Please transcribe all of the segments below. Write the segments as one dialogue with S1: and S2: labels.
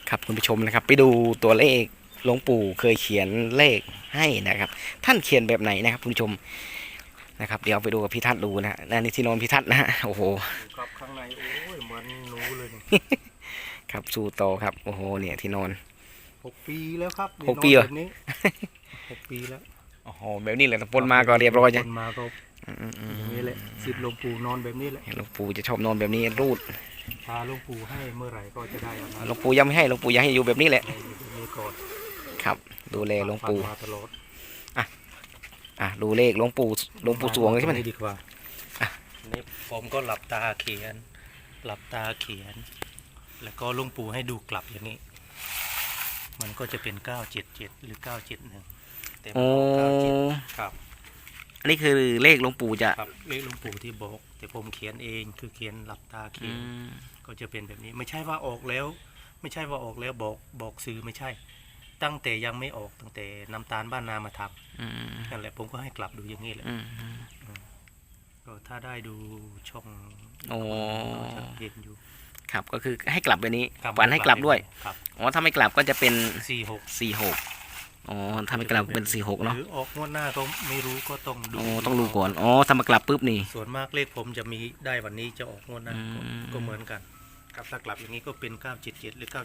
S1: ครับคุณผู้ชมนะครับไปดูตัวเลขหลวงปู่เคยเขียนเลขให้นะครับท่านเขียนแบบไหนนะครับคุณผู้ชมนะครับเดี๋ยวไปดูกับพี่ทัศน์ดูนะฮะนี่ที่นอนพี่ทัศน์นะฮะโอ้โห
S2: ครับข้างในโอ้ยเหมือนหนูเลยนี่
S1: ครับสู้ต่อครับโอ้โหเนี่ยที่นอน
S2: 6 ปีแล้วครับ
S1: 6 ปีเหรอ
S2: แบบนี้6 ปีแล้ว
S1: โอ้โหแบบนี้แหละปนมาก็เรียบร้อย
S2: ค
S1: ใช่
S2: นมาก็อย่างนี้แหละสิทธิ์หลวงปู่นอนแบบนี้แหละ
S1: หลวงปู่จะชอบนอนแบบนี้รูด
S2: พาหลวงปู่ให้เมื่อไหร่ก็จะได้เอามา
S1: หลวงปู่ยังไม่ให้หลวงปู่ยังให้อยู่แบบนี้แหละ
S2: แบบนี้ก่อน
S1: ครับดูแลหลวงปู่
S2: มาตลอด
S1: ดูเลขหลวงปู่สวงเลยใช่ไหม
S2: ดีกว่านี่ผมก็หลับตาเขียน หลับตาเขียน แล้วก็หลวงปู่ให้ดูกลับอย่างนี้ มันก็จะเป็น977หรือ971แต่มัน97ครับ
S1: อันนี้คือเลขหลวงปู่จะ
S2: ครับเลขหลวงปู่ที่บอกแต่ผมเขียนเองคือเขียนหลับตาเขียนก็จะเป็นแบบนี้ไม่ใช่ว่าออกแล้ว ไม่ใช่ว่าออกแล้วบอกซื้อไม่ใช่ ตั้งแต่ยังไม่ออกตั้งแต่น้ำตาลบ้านนามาทำนั่นแหละผมก็ให้กลับดูอย่างนี้แหละก็ถ้าได้ดูช่องก็จะเห็นอยู่
S1: ครับก็คือให้กลับแบบนี้
S2: ครับ
S1: ฝันให้กลับด้วย
S2: ครับ
S1: อ๋อถ้าไม่กลับก็จะเป็น
S2: 46
S1: 46อ๋อถ้าไม่กลับเป็น46เนาะ
S2: หรือออกงวดหน้าก็ไม่รู้ก็ต้องดู
S1: อ๋อต้องดูก่อนอ๋อถ้ามากลับปุ๊บนี่
S2: ส่วนมากเลขผมจะมีได้วันนี้จะออกงวดหน้าก็เหมือนกันครับถ้ากลับอย่างนี้ก็เป็น977หรือ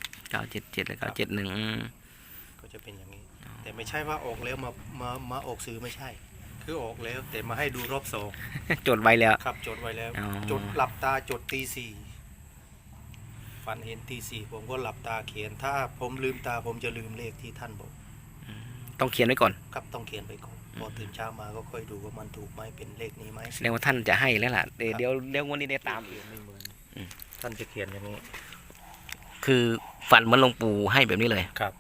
S2: 971
S1: 977และ971
S2: ก็จะเป็นอย่างนี้ แต่ไม่ใช่ว่าออกแล้วมาออกสื่อไม่ใช่ คือออกแล้วแต่มาให้ดูรอบสอง
S1: จดไว้แล้ว
S2: ครับจดไว้แล้ว
S1: อ๋อ
S2: จดหลับตาจดตีสี่ฝันเห็นตีสี่ผมก็หลับตาเขียน ถ้าผมลืมตาผมจะลืมเลขที่ท่านบอก
S1: ต้องเขียนไว้ก่อน
S2: ครับต้องเขียนไปก่อนพอตื่นเช้ามาก็ค่อยดูว่ามันถูกไหมเป็นเลขนี้ไหม
S1: แสดงว่าท่านจะให้แล้วล่ะเดี๋ยววันนี้ได้ตาม
S2: เขียนไม่เหมือนท่านจะเขียนอย่างนี้
S1: คือฝันเหมือนหลวงปู่ให้แบบนี้เลย
S2: ครับ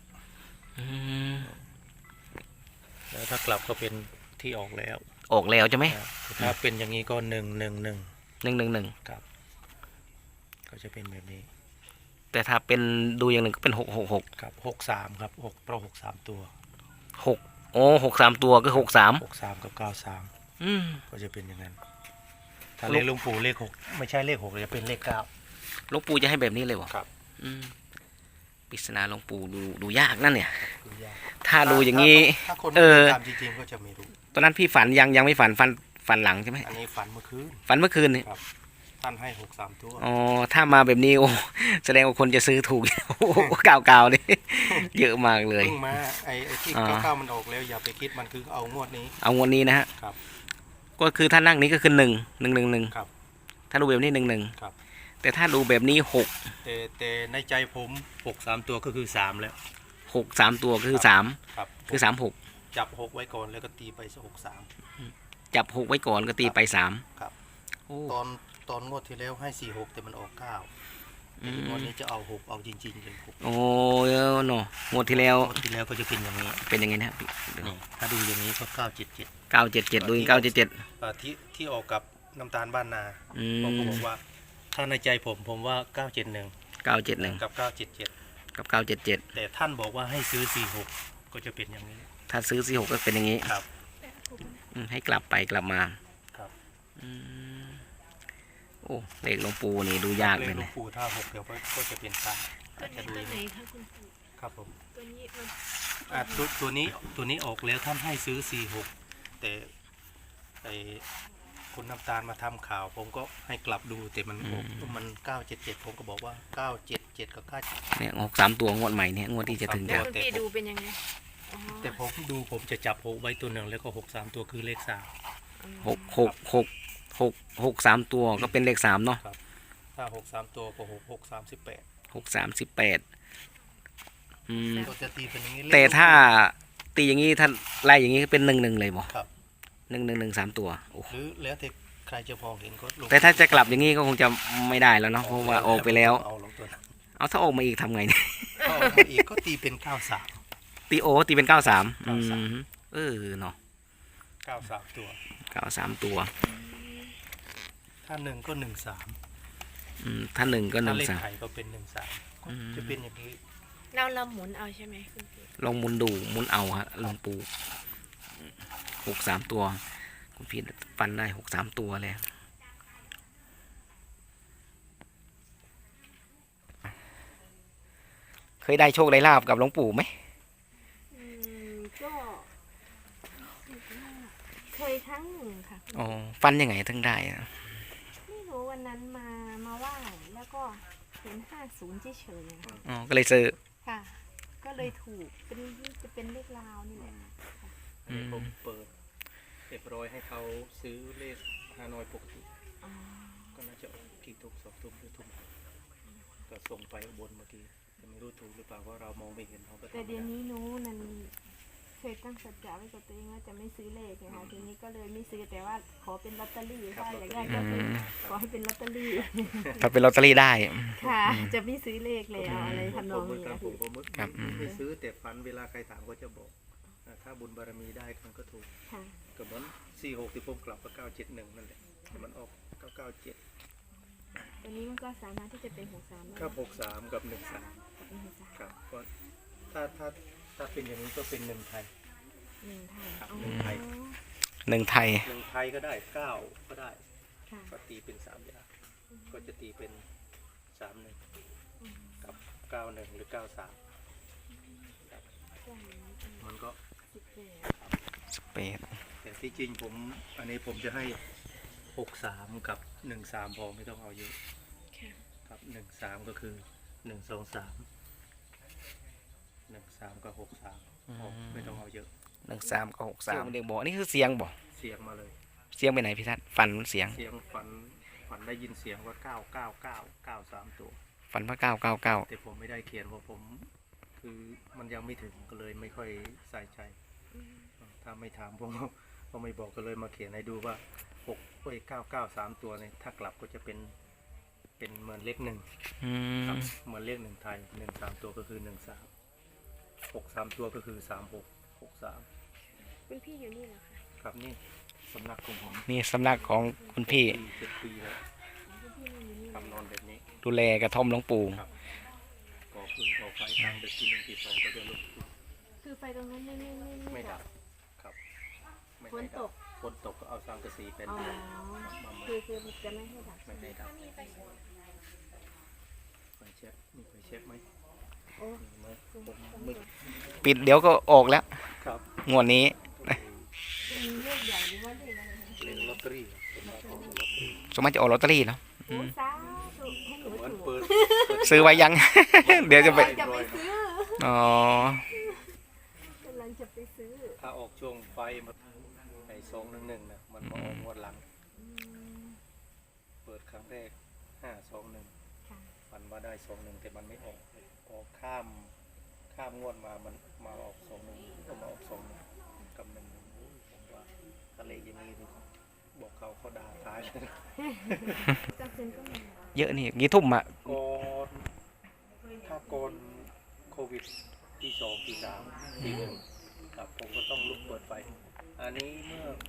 S2: แล้วถ้ากลับก็เป็นที่ออกแล้ว
S1: ออกแล้วใช่ไหม
S2: ถ้าเป็นอย่างนี้ก็111
S1: 111
S2: ครับก็จะเป็นแบบนี้
S1: แต่ถ้าเป็นดูอย่างหนึ่งก็เป็น666
S2: ครับ63ครับ6เพราะ63ตัว
S1: 6โอ้63ตัวก็63
S2: 63กับ93
S1: อืม
S2: ก็จะเป็นอย่างนั้นถ้าเลขหลวงปู่เลข6ไม่ใช่เลข6จะเป็นเลข9
S1: หลวงปู่จะให้แบบนี้เลยวะ
S2: ครับ
S1: ปริศนาหลวงปู่ดูยากนั่นเนี่ย
S2: ดูยาก
S1: ถ้าดูอย่างนี้
S2: ถ้าคนไม่ตามจริงๆก็จะไม่รู้
S1: ตอนนั้นพี่ฝันยังไม่ฝันหลังใช่ไหม
S2: อันนี้ฝันเมื่อคืน
S1: ฝันเมื่อคืนนี่
S2: ครับท่านให้63ตัว
S1: อ๋อถ้ามาแบบนี้โอ้แสดงว่าคนจะซื้อถูก โอ้เก่าๆเลยเยอะมากเลย
S2: เพิ่งมาไอ้ที่99มันออกแล้วอย่าไปคิดมันคือเอางวดนี้
S1: เอางวดนี้นะฮะ
S2: ครับ
S1: ก็คือถ้านั่งนี้ก็คือ1
S2: ครับ
S1: ถ้าดูแบบนี้
S2: ครับ
S1: แต่ถ้าดูแบบนี้
S2: แต่ในใจผม63ตัวก็คือ3แล้ว
S1: 6 3ตัวก็คือ3
S2: ครับ
S1: คือ36
S2: จับ6ไว้ก่อนแล้วก็ตีไป63
S1: จับ6ไว้ก่อนก็ตีไป3
S2: ครับ
S1: โอ้
S2: ตอนงวดที่แล้วให้46แต่มันออก9งวดนี้จะเอา6เอาจริงๆเลย6
S1: โอ้เนาะงวดที่แล้ว
S2: งวดที่แล้วก็จะเป็นอย่างนี้
S1: เป็นยังไงนะ
S2: นี่ถ้าดูอย่างนี้ก็977
S1: 977ดู977
S2: ที่ออกกับน้ำตาลบ้านนาผมก็บอกว่าถ้าในใจผมว่า971
S1: 971
S2: กับ977
S1: กับ977
S2: แต่ท่านบอกว่าให้ซื้อ46ก็จะเป็นอย่างนี้
S1: ถ้าซื้อ46ก็เป็นอย่างนี้
S2: ครับ
S1: ให้กลับไปกลับมา
S2: ครับ
S1: โอ้เลขหลวงปู่นี่ดูยากเลย
S2: หลว
S1: นะ
S2: งปู่ถ้า6เดี๋ยวก็จะเป็น3อาจจะดู
S3: ตัวไหนคะคุณปู่
S2: ครับผม
S3: ตัวนี้มัน
S2: ตัวนี้ออกแล้วท่านให้ซื้อ46แต่ไอ้คุณน้ำตาลมาทำข่าวผมก็ให้กลับดูแต่มัน977ผมก็บอกว่า977กับ9
S1: เนี่ย63ตัวงวดใหม่เนี่ยงวดที่จะถึง
S3: แล้
S1: จะ
S3: วคุณพี่ดูเป็นยังไงอ๋อ
S2: แต่ผมจะจับ6ไว้ตัวหนึ่งแล้วก็63ตัวคือเลข3
S1: 6 3ตัวก็เป็นเลข3เนาะ
S2: ครับถ้า63ตัวก็6 38 ก็จะตีเป็นอย่างนี้
S1: แต่ถ้าตีอย่างนี้ถ้าไล่อย่างนี้เป็น11เลยบ่
S2: ครับ
S1: 1 3ตัวโอ้
S2: หรือแล้วแต่ใครจะพอเห็นก็ลง
S1: แต่ถ้าจะกลับอย่างนี้ก็คงจะไม่ได้แล้วเนาะเพราะว่าออกไปแล้ว
S2: เอาลงตัวนั้น
S1: เอาถ้าออกมาอีกทำไงเนี่ย
S2: ถ้าออกมาอีกก็ตีเป็น93
S1: ตีเป็น93เนาะ
S2: 93ตัว
S1: 93ตัว
S2: ถ้า1ก็13
S1: ถ้า1ก็
S2: ถ้าเลขไทยก็เป็น13ก็จะเป็นอย่างนี้
S3: เราหมุนเอาใช่ไหมคุณพี่
S1: ลองหมุนดูหมุนเอาฮะหลวงปู่63ตัวคุณพี่ฟันได้63ตัวเลยยได้โชคได้ลาบกับหลวงปู่ไหม
S3: ก็เคยครั้งหนึ่งค่ะ
S1: อ๋อฟันยังไงถึงได้อะ
S3: ไม่รู้วันนั้นมาไหว้แล้วก็เห็น50เฉยๆอะค่ะ
S1: อ๋อก็เลยซื้อ
S3: ค่ะ ก็เลยถูกจะเป็นเลขลาวนี่แหละ
S2: อันนี้ผมเปิดเรียบร้อยให้เขาซื้อเลขฮานอยปกติ
S3: อ๋อ
S2: ก็น่าจะออกกี่ทุ่ม2 ทุ่มหรือทุ่มก็ส่งไปอุบนเมื่อกี้แต่ไม่รู้ถูกหรือเปล่าเพราะเรามองไม่เห็นเขาก็
S3: แต่
S2: ทำ
S3: เดี๋
S2: ไม่
S3: ยว
S2: ได้
S3: นี้หนู้นั่นเคยตั้งสัจจะไว้กับตัวเองว่าจะไม่ซื้อเลขนะคะทีนี้ก็เลยไม่ซื้อแต่ว่าขอเป็นลอตเตอรี่ถ้าอยากได้ก็คือขอให้เป็นลอตเตอรี่
S1: ถ้าเป็นลอตเตอรี่ได้
S3: ค่ะ จะไม่ซื้อเลขแล้วอะไรทำนอง
S2: ผม
S3: นี้
S2: เหมือนกัน
S3: นะ
S2: ผมก็มึก
S1: ครับอืม
S2: ไม่ซื้อแต่ฝันเวลาใครถามก็จะบอกถ้าบุญบารมีได้มันก็ถูก
S3: ค่ะ
S2: ก็เหมือน46ที่ผมกลับก็971นั่นแหละแต่มันออก997
S3: ตัวนี้มันก็สามารถที่จะเป็น63ได้
S2: ครับ63กับ13
S3: เป็น63
S2: ครับก็ถ้าเป็นอย่างนี้ก็เป็น1ไทย
S3: 1 ไทย
S2: ครับ
S3: อ๋อ
S2: 1ไทย
S1: หนึ่งไทย
S2: 1ไทยก็ได้9ก็ได้
S3: ค่ะ
S2: ก็ตีเป็น3อย่างก็จะตีเป็น31กับ91หรือ93ครับมันก็
S1: สเปซ
S2: แต่ที่จริงผมอันนี้ผมจะให้63กับ13พอไม่ต้องเอาเยอะ
S3: ค่ะ
S2: ครับ13ก็คือ1 2 3 13กับ63พอไม่ต้องเอาเยอะ
S1: 13กับ63เด็กบอกนี่คือเสียงบอก
S2: เสียงมาเลย
S1: เสียงไปไหนพี่ทัศน์ฝันเสียง
S2: เสียงฝันได้ยินเสียงว่า99993ตัว
S1: ฝันว่า999
S2: แต่ผมไม่ได้เขียนเพราะผมคือมันยังไม่ถึงก็เลยไม่ค่อยใส่ใจถ้าไม่ถามผมก็ไม่บอกก็เลยมาเขียนให้ดูว่า993ตัวเนี่ยถ้ากลับก็จะเป็นเหมือนเลข1
S1: อื
S2: ครับ
S1: ม
S2: เหมือนเลข1ไทย13ตัวก็คือ13 63ตัวก็คือ3663
S3: คุณพี่อยู่นี่เหรอคะ
S2: ครับนี่สำนักของผม
S1: นี่สำนักของคุณพี่
S2: 7 ปีแล้ว
S3: คุณพี่อยู่นี่
S2: ทำนอนแบบนี้
S1: ดูแลกระท่อมหลวงปู่
S2: ครับก่อฟืนก่อไฟทางเด็กที่1ที่2ก็จะลุก
S3: คือไฟตรงนั้นไม่
S2: ไม่ดับครับไม่
S3: ฝน
S2: ให้
S3: ต
S2: ดับ
S3: ก
S2: ฝนตกก็เอาสังกะสีเป็น
S3: อ๋อ
S2: มา
S3: คือจะไม่ให้ดับ
S2: ไม่ให้ดับไฟเช็คมีไฟเช็คไหม
S3: โอ้
S2: มีไหมผมมืด
S1: ปิดเดี๋ยวก็ออกแล้ว
S2: ครับ
S1: งวดนี้
S3: มีเลขใหญ่หรือว่าเลขอะไรนะ
S2: เล่นลอตเตอรี่ผมมาของลอตเตอรี่
S1: สมมติจะออกลอตเตอรี่เนาะ
S3: โอ้สาธุให้หนู
S2: เหมือน
S3: ถูก
S2: เปิด
S1: ซื้อไว้ยัง เดี๋ยวจะไป
S3: จะไปซื้อ
S1: อ๋อก
S3: ำลังจะไปซื้อ
S2: ถ้าออกช่วงไฟมาไอ้211นะมันมาออกงวดหลัง
S3: อืม
S2: เปิดครั้งแรก521
S3: ค่ะ
S2: ฝันว่าได้21แต่มันไม่ออกข้ามงวดมามันมาออก21ก็มาออก21กับ11ผมว่าทะเลอย่างนี้ดิบอกเขาด่าตายเลย
S3: กระสุนก็มี
S1: เยอะนี่กี่ทุ่มอ่ะ
S2: ก่อนถ้าก่อนโควิดที่2ที่3ที่1ครับผมก็ต้องลุกเปิดไฟ อันนี้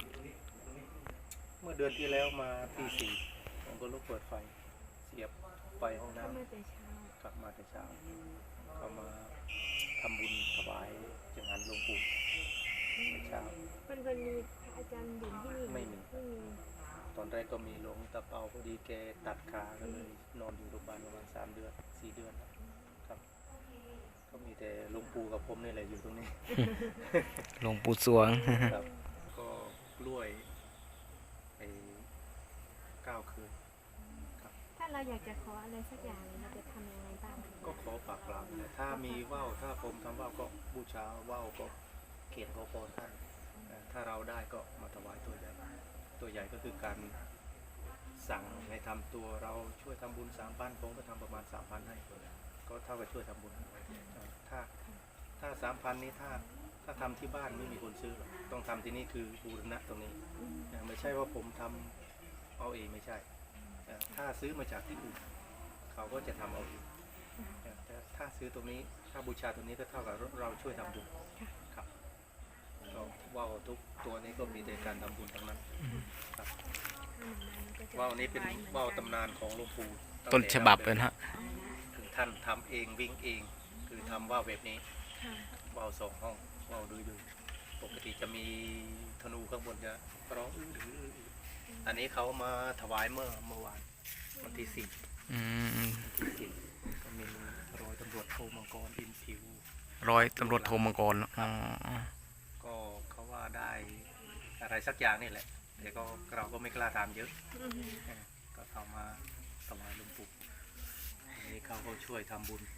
S2: เมื่อเดือนที่แล้วมาที่4ผมก็ลุกเปิดไฟ เสียบไฟห้อง
S3: ก็
S2: น้ำ
S3: มาแต่เช้าก
S2: ลับมาแต่เช้าก็มาทำบุญถวายจังหันหลวงปู่แต่เช้า
S3: มันเคยมีพระอาจารย์อยู่ที่นี่
S2: ไม่มี
S3: ไม่มี
S2: ตอนแรกก็มีหลวงตาเปาพอดีแกตัดขาก็เลยนอนอยู่โรงพยาบาลประมาณ3 เดือน 4 เดือนครับ ก็มีแต่หลวงปู่กับผมนี่แหละอยู่ตรงนี้
S1: หลวงปู่สวง
S2: ครับ ก็กล้วยไอ้9 คืน
S3: ถ้าเราอยากจะขออะไรสักอย่างเราจะทำยังไงบ้าง
S2: ก็ขอปากกล่าวเลยถ้ามีว่าวถ้าผมทำว่าวก็บูชาว่าวก็เขียนขอพรท่านถ้าเราได้ก็มาถวายตัวใหญ่ ตัวใหญ่ก็คือการสั่งให้ทำตัวเราช่วยทำบุญ3,000ผมก็ทำประมาณ3,000ให้ก็เท่ากับช่วยทำบุญถ้า3,000นี้ถ้าทำที่บ้านไม่มีคนซื้อหรอกต้องทำที่นี่คือบูรณะตรงนี้ไม่ใช่ว่าผมทำเอาเองไม่ใช่ถ้าซื้อมาจากที่อื่นเขาก็จะทำเอาเองแต่ถ้าซื้อตรงนี้ถ้าบูชาตรงนี้ก็เท่ากับเราช่วยทำบุญครับก็ว่าวทุกตัวนี้ก็มีแต่การทำบุญทั้งนั้นครับว่าวนี้เป็นว่าวตำนานของหลวงปู่
S1: ต้นฉบับเลยนะฮะ
S2: คือท่านทำเองวิ่งเอง คือทำว่าวแบบนี้
S3: ค่ะ
S2: ว่าว2 ห้องว่าวดูปกติจะมีธนูข้างบนจะร้องอันนี้เขามาถวายเมื่อวานวันที่4
S1: อืม
S2: ก็มี100 ตำรวจำรวจโทมังกรอินผิว
S1: ร้อยตำรวจโทมังกรอ๋อ
S2: ก็เขาว่าได้อะไรสักอย่างนี่แหละแต่ก็เราก็ไม่กล้าถามเยอะก็เอามาถวายหลวงปู่อันนี้เขาก็ช่วยทำบุญ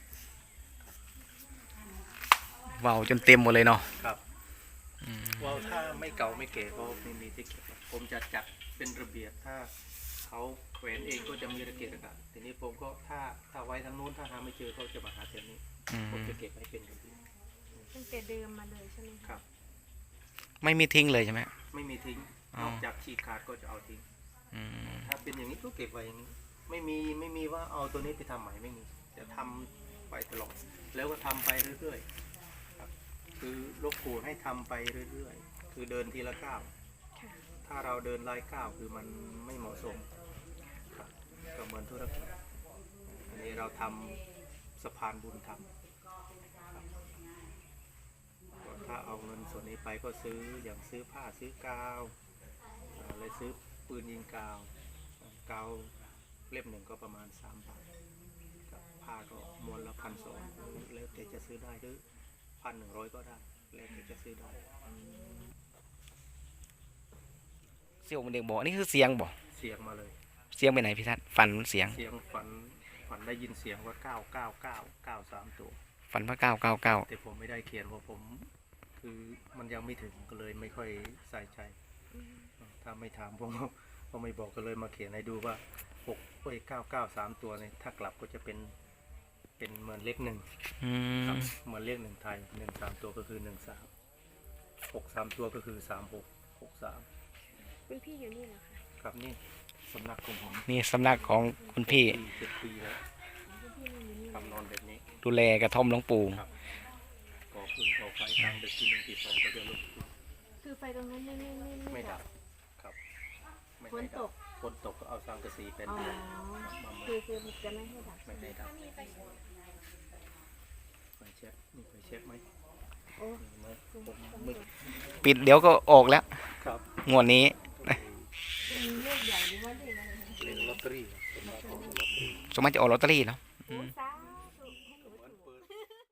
S1: ว้าวจนเต็มหมดเลยเนาะ
S2: ครับว่าถ้าไม่เก่าไม่เก๋ก็ไม่มีที่เก็บหรอกผมจะจัดเป็นระเบียบถ้าเขาแขวนเองก็จะมีระเกียบระกะทีนี้ผมก็ถ้าไว้ทางนู้นถ้าหาไม่เจอก็จะมาหาแถวนี้ผมจะเก็บให้เป็นระเบียบ
S3: ตั้งแต่เดิมมาเลยใช่ไหม
S2: ครั
S3: คะ
S2: บ
S1: ไม่มีทิ้งเลยใช่ไหม
S2: ไม่มีทิ้ง
S1: อ๋อ
S2: นอกจากฉีกขาดก็จะเอาทิ้ง
S1: อืม
S2: ถ้าเป็นอย่างนี้ก็เก็บไว้อย่างนี้ ไม่มีว่าเอาตัวนี้ไปทำใหม่ไม่มีจะทำไปตลอดแล้วก็ทำไปเรื่อยๆครับคือหลวงปู่ให้ทำไปเรื่อยๆคือเดินทีละก้าว
S3: ค่ะ
S2: ถ้าเราเดินไล่ก้าวคือมันไม่เหมาะสมครับก็เหมือนธุรกิจอันนี้เราทำสะพานบุญทำครับก็ถ้าเอาเงินส่วนนี้ไปก็ซื้ออย่างซื้อผ้าซื้อกาวเลยซื้อปืนยิงกาวกาวเล่มหนึ่งก็ประมาณ3 บาทกับผ้าก็มวนละ1,200แล้วแต่จะซื้อได้หรือ1,100ก็ได้แล้วแต่จะซื้อได้
S1: เสี่ยวมันเด็กบอกนี่คือเสียงบอก
S2: เสียงมาเลย
S1: เสียงไปไหนพี่ทัศน์ฝันเสียง
S2: เสียงฝันได้ยินเสียงว่า999 ตัว
S1: ฝันว่า999
S2: แต่ผมไม่ได้เขียนเพราะผมคือมันยังไม่ถึงก็เลยไม่ค่อยใส่ใจ ถ้าไม่ถามผมก็ไม่บอกก็เลยมาเขียนให้ดูว่า993 ตัวเนี่ยถ้ากลับก็จะเป็นเหมือนเลข 1
S1: อื
S2: ครั
S1: ม
S2: บเหมือนเลข 1 ไทย13 ตัวก็คือ13 63 ตัวก็คือ3663
S3: คุณพี่อยู่นี่เหรอคะ
S2: ครับนี่สำนักของผม
S1: นี่สำนักของคุณพี่
S2: 7 ปีแล้ว
S3: คุณพี่นอนอยู่นี่
S2: ทำนอนแบบนี้
S1: ดูแลกระท่อมหลวงปู่
S2: ครับ ก่อฟืนก่อไฟกลางดึกที่1 ที่ 2ก็จะลุก
S3: คือไฟตรงนั้นไม่
S2: ไม่ดับครับไม่
S3: ฝน
S2: ให้
S3: ต
S2: ดับ
S3: ก
S2: ฝนตกก็เอาสังกะสีเป็น
S3: อ๋อ
S2: มา
S3: คือจะไม่ให้ดับ
S2: ไม่ให้ดับไฟเช็คนี่ไฟเช็คไหม
S3: โอ้
S2: เห็นไหมผมมึก
S1: ปิดเดี๋ยวก็ออกแล้ว
S2: ครับ
S1: งวดนี้
S3: มีเลขใหญ่หรือว่าเลขอะไรคะ
S2: เล่นลอตเตอรี่ครับเป็นมาของลอตเตอรี่
S1: สมมติจะออกลอตเตอรี่เนาะ
S3: โอ้สา